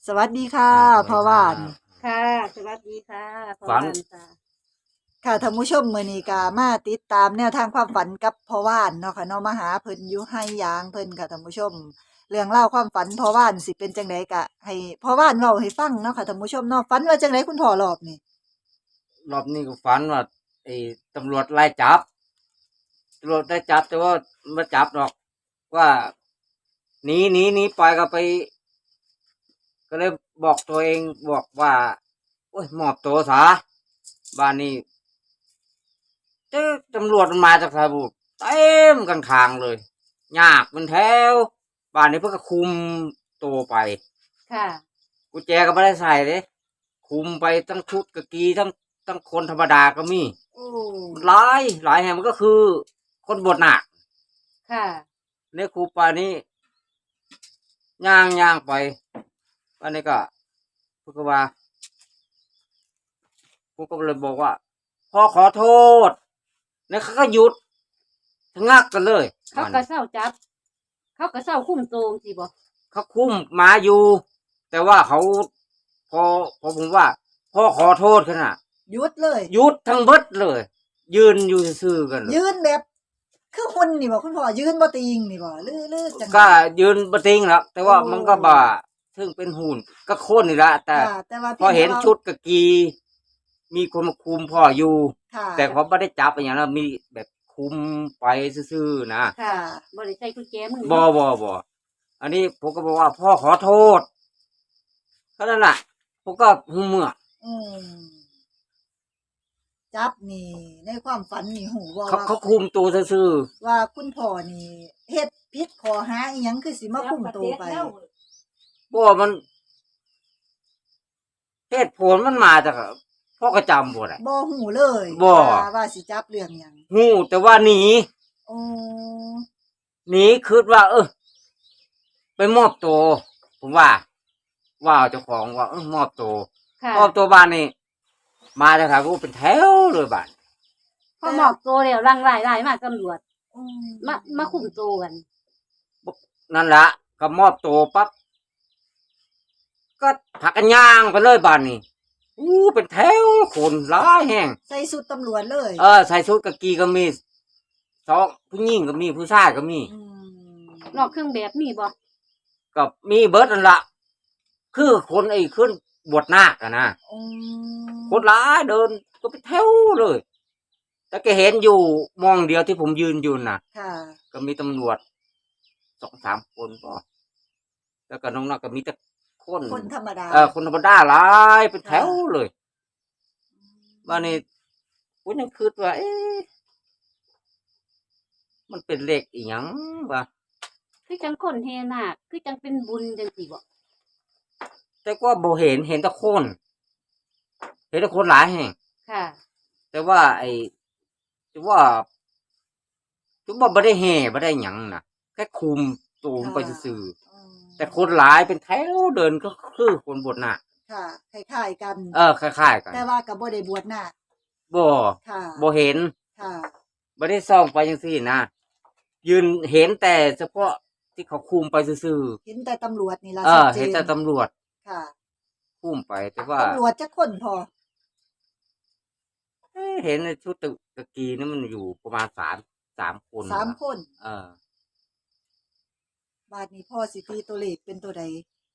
วัสดีค่ะพ่อว่านค่ะสวัสดีค่ะพ่อฝันบ้านค่ะค่ะท่านผู้ชมมื้อนี้ก็มาติดตามแนวทางความฝันกับพ่อว่านเนาะค่ะเนาะมาหาเพิ่นอยู่ไห้ยางเพิ่นค่ะท่านผู้ชมเรื่องเล่าวความฝันพ่อว่านสิเป็นจังไดก็ให้พ่อว่านเว้าให้ฟังเนาะค่ะท่านผู้ชมเนาะฝันว่าจังไดคุณพ่อรอบนี้รอบนี้ก็ฝันว่าไอ้ตำรวจไล่จับตำรวจได้จับแต่ว่าไม่จับหรอกว่าหนีไปก็ไป ก็เลยบอกตัวเองบอกว่าโอ้ยมอบตัวซะบ้านนี้เจ้าตำรวจมันมาจากสระบุรีเต็มกันคางเลยยากเป็นแถวบ้านนี้เพื่อคุมตัวไปค่ะกุญแจก็ไม่ได้ใส่เลยคุมไปทั้งชุดกะกีทั้งคนธรรมดาก็มีโอ้หลายแห่งมันก็คือคนบวชหนักค่ะเนี่ยครูปานี้ย่างไปวันนี้ก็พูดว่าพูดก็เลยบอกว่าพ่อขอโทษเนี่ยเขาก็หยุดชะงักกันเลยเขาก็เศร้าจับ เขาก็เศร้าคุ้มโตงสิบ่เขาคุ้มมาอยู่ แต่ว่าเขาพอผมว่าพ่อขอโทษขนาดหยุดเลยหยุดทั้งเบิดเลย ยืนอยู่ซื่อๆกันยืนแบบคือหุ่นนี่บ่คุณพ่อยืนบ่ติงนี่บ่ลือๆจังก็ยืนบ่ติงแล้วแต่ว่ามันก็บ่าซึ่งเป็นหุ่นก็โค่นนี่ละแต่พอเห็นชุดกะกีมีคนมาคุมพ่ออยู่แต่เขาไม่ได้จับอย่างนั้นมีแบบคุมไปซื่อๆนะค่ะบ่ได้ใส่กุญแจมือบ่อันนี้ผมก็บอกว่าพ่อขอโทษเท่านั้นแหละผมก็หูเมื่อจับนี่ในความฝันนี่หูว่าเขาคุมตัวซื่อว่าคุณพ่อนี่เฮ็ดผิดข้อหาอีหยังคือสิมาคุมตัวไปบ่มันเหตุผลมันมาจากพ่อกระจำบ่ได้บ่หูเลยบ่ว่าสิจับเรื่องหยังหูแต่ว่าหนีหนีคิดว่าไปมอบตัวผมว่าเจ้าของว่ามอบตัวบ้านนี่มาจากทางกูเป็นแถวเลยบ้านพอมอบตัวแล้วรังหลายมาตำรวจมาคุมตัวกันนั่นละก็มอบตัวปั๊บก็ผักกันย่างไปเลยบ้านนี่เป็นแถวคนร้ายแห้งใส่ชุดตำรวจเลยใส่ชุดกะกีก็มีสองผู้หญิงก็มีผู้ชายก็มีนอกเครื่องแบบมีบ่ก็มีเบิร์ดนั่นละคือคนขึ้นบวชนาคอะนะคนร้ายเดินก็ไปแถวเลยแต่แกเห็นอยู่มองเดียวที่ผมยืนอยู่น่ะก็มีตำรวจ2-3 คนก็แล้วก็น้องนักก็มีแต่คนธรรมดาคนธรรมดาหลายเป็นแถวเลยว่านี่ผมยังคิดว่ามันเป็นเลขอีหยังวะคือจังคนเฮนาคคือจังเป็นบุญจังสิบ่แต่ก็บ่เห็นแต่คนหลายแห่งค่ะแต่ว่าจะว่าบ่ได้แห่บ่ได้หยังน่ะแค่คุมตูมไปซื่อแต่คนหลายเป็นแถวเดินก็คือคนบวชนาคค่ะคล้ายๆกันคล้ายๆกันแต่ว่าก็บ่ได้บวชนาคบ่เห็นบ่ได้ส่องไปจังซี่นะยืนเห็นแต่เฉพาะที่เขาคุมไปซื่อๆเห็นแต่ตำรวจนี่ล่ะเห็นแต่ตำรวจค่ะคุมไปแต่ว่าตำรวจจักคนพอเห็นในชุดตะกี้นี่มันอยู่ประมาณ3 คน 3 คนบาดนี้พ่อสิตีตัวเลขเป็นตัวใด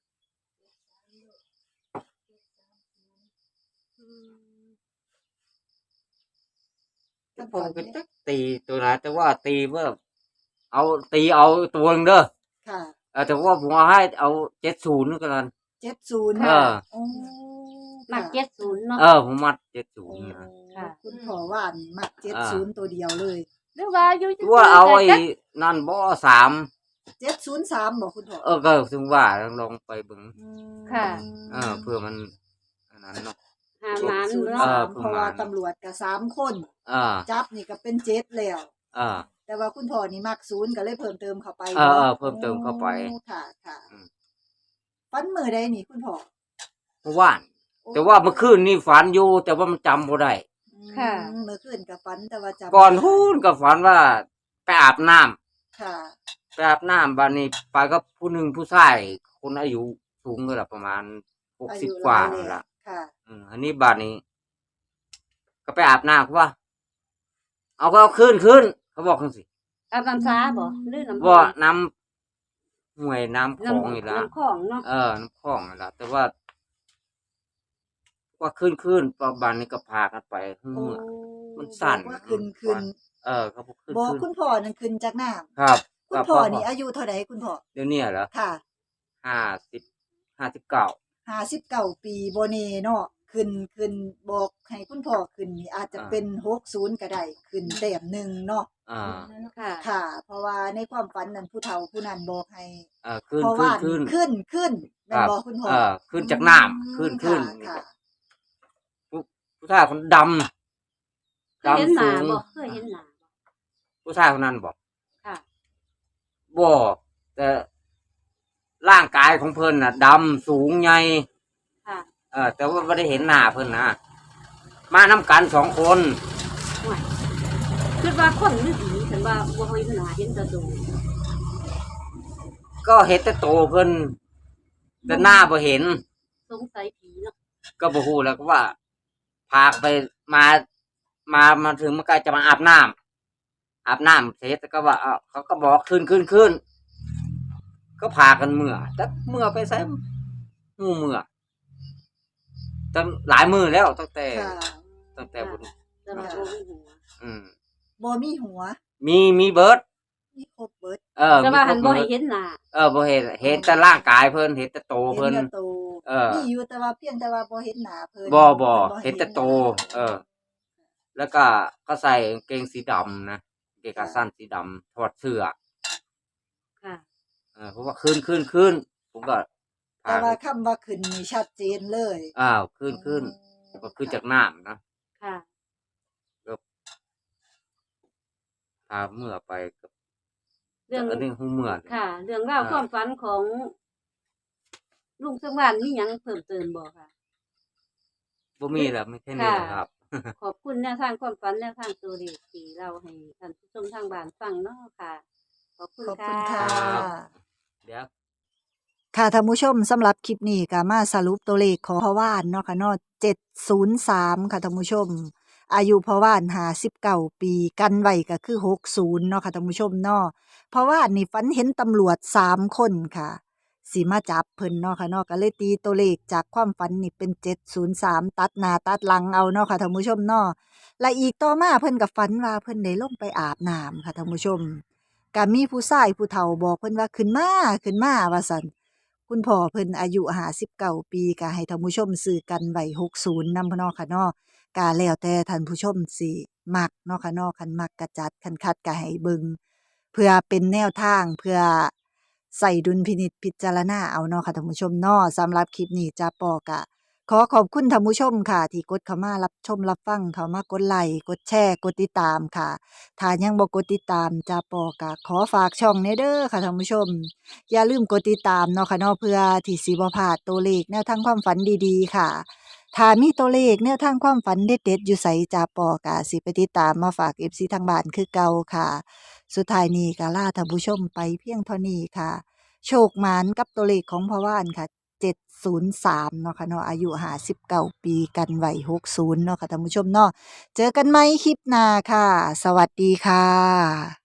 ผมก็จะตีตัวไหนแต่ว่าตีเมื่อเอาตัวนึงเด้อค่ะแต่ว่าผมให้เอา70ก็แล้ว 70 มัก70เนาะผมมัด70นะค่ะคุณพ่อว่านมัก70ตัวเดียวเลยหรือว่าอยู่ว่าเอาไอ้นั่นบ่ 703บ่คุณพ่อก็ถึงว่าลองไปเบิ่งค่ะเพื่อมันอันนั้นเนาะเพราะว่าตำรวจก็3 คนจับนี่ก็เป็น7แล้วแต่ว่าคุณพ่อนี่มัก0ก็เลยเพิ่มเติมเข้าไปเพิ่มเติมเข้าไปค่ะฝันมื้อใดนี่คุณพ่อเมื่อวานแต่ว่าเมื่อคืนนี่ฝันอยู่แต่ว่ามันจำบ่ได้ค่ะเมื่อคืนก็ฝันแต่ว่าจำก่อนฮู้นก็ฝันว่าไปอาบน้ำค่ะไปอาบน้ำบัดนี้ไปกับผู้หนึ่งผู้ชายคนอายุสูงก็ละประมาณอายุ 60 หกว่าลายนั่นแล้วล่ะค่ะอันนี้บาดนี้ ก็ไปอาบน้ำเขาว่า เอาก็เอาขึ้นเขาบอกจังซี่อาบน้ำสาบ่หรือน้ำบ่ห้วยน้ำห้วยน้ำคลองนี่ล่ะน้ำคลองเนาะน้ำคลองนั่นล่ะแต่ว่าขึ้นประบาดนี้ก็พากันไปเมื่อ มันสั่นบอกว่าขึ้นเขาบอกขึ้นบอกคุณพ่อนั่นขึ้นจากน้ำครับคุณพ่อนี่อายุเท่าใดคุณพ่อเดี๋ยวนี้เหรอค่ะ 59 59 ปีบ่แน่เนาะขึ้นบอกให้คุณพ่อขึ้นนี่อาจจะเป็น60ก็ได้ขึ้นแต้มหนึงเนาะค่ะค่ะ เพราะว่าในความฝันนั้นผู้เฒ่าผู้นั้นบอกให้ขึ้นเพราะว่าขึ้นแม่นบ่คุณพ่อขึ้นจากน้ำขึ้นค่ะผู้ชายคนดเคยเห็นหสูน้าง บ่เคยเห็นหน้าบ่ผู้ชายคนนั้นบอกค่ะบ่แต่ร่างกายของเพิ่นน่ะดำสูงใหญ่ค่ะแต่ว่าไม่ได้เห็นหน้าเพิ่นนะมาน้ำกัน2 คนห่วยคิดว่าคนหรือผีฉันว่าบ่เห็นหน้าเห็นแต่ตัวก็เห็นแต่โตเพิ่นแต่หน้าบ่เห็นสงสัยผีเนาะก็บ่ฮู้แล้วก็ว่า พาไปมาถึงมันก็จะมาอาบน้ำเสร็จแล้วก็ว่าเขาก็บอกขึ้นก็พากันเมื่อแต่เมื่อไปไสงูเมื่อตั้งหลายมื้อแล้วตั้งแต่ค่ะบุญแต่ว่าบ่มีหัวอืมบ่มีหัวมีเบิดมีครบเบิดแต่ว่าหันบ่มีให้ครบเบิดเห็นหน้าบ่เห็นแต่ร่างกายเพิ่นเห็นแต่โตเห็เพิ่นนแต่โตเออมีอยู่แต่ว่าเพียงแต่ว่าบ่เห็นหน้าเพิ่นบ่พิ่นเห็นแต่โตหน้าแล้วก็ใส่กางเกงสีดำนะกางเกงขาสั้นสีดำถอดเสื้อค่ะเพราะว่าขึ้นผมก็พาแต่ว่าคำว่าขึ้นนี่ชัดเจนเลยขึ้นก็ขึ้นจากน้ำนะค่ะพาเมื่อไปกับเรื่องอันนี้หูเมื่อค่ะ เรื่องราวความฝันของลุงสมานมีหยังเพิ่มเติมบ่ค่ะบ่มีแล้วไม่แค่นี้แหละครับขอบคุณแนวทางความฝันแนวทางตัวเลขที่เราให้ท่านผู้ชมทางบ้านฟังเนาะค่ะ ขอบคุณขอบค่ะคุณค่ะรับ เดี๋ยวค่ะท่านผู้ชมสำหรับคลิปนี้ก็มาสรุปตัวเลขของพ่อว่านเนาะค่ะเนาะ703ค่ะท่านผู้ชม อายุพ่อว่าน59 ปีกันไว้ก็คือ60เนาะค่ะท่านผู้ชมเนาะพ่อว่านนี่ฝันเห็นตำรวจ3 คนค่ะสิมาจับเพิ่นเนาะค่ะเนาะก็เลยตีตัวเลขจากความฝันนี่เป็น703ตัดหน้าตัดหลังเอาเนาะค่ะท่านผู้ชมเนาะและอีกต่อมาเพิ่นก็ฝันว่าเพิ่นได้ลงไปอาบน้ำค่ะท่านผู้ชมก็มีผู้ชายผู้เฒ่าบอกเพิ่นว่าขึ้นมาว่าซั่น คุณพ่อเพิ่นอายุ59 ปีก็ให้ท่านผู้ชมซื้อกันไว้60นำเนาะค่ะเนาะก็แล้วแต่ท่านผู้ชมสิมักเนาะค่ะเนาะคันมักก็จัดคันคัดก็ให้เบิ่งเพื่อเป็นแนวทางเพื่อใส่ดุลพินิจพิจารณาเอาเนาะค่ะท่านผู้ชมเนาะสำหรับคลิปนี้จ้าปอก็ขอขอบคุณท่านผู้ชมค่ะ ที่กดเข้ามารับชมรับฟังเข้ามากดไลค์กดแชร์กดติดตามค่ะถ้ายังบ่กดติดตามจ้าปอก็ขอฝากช่องแหน่เด้อค่ะท่านผู้ชม อย่าลืมกดติดตามเนาะค่ะเนาะเพื่อที่สิบ่พลาดตัวเลขแนวทางความฝันดีๆค่ะ ถ้ามีตัวเลขแนวทางความฝันเด็ดๆอยู่ไสจ้าปอกะสิไปติดตามมาฝาก FC ทางบ้านคือเก่าค่ะ สุดท้ายนี้ก็ลาท่านผู้ชมไปเพียงเท่านี้ค่ะ โชคหมานกับตัวเลขของพ่อว่านค่ะ703เนาะค่ะเนาะอายุ59 ปีกันไว้60เนาะค่ะท่านผู้ชมเนาะเจอกันใหม่คลิปหน้าค่ะ สวัสดีค่ะ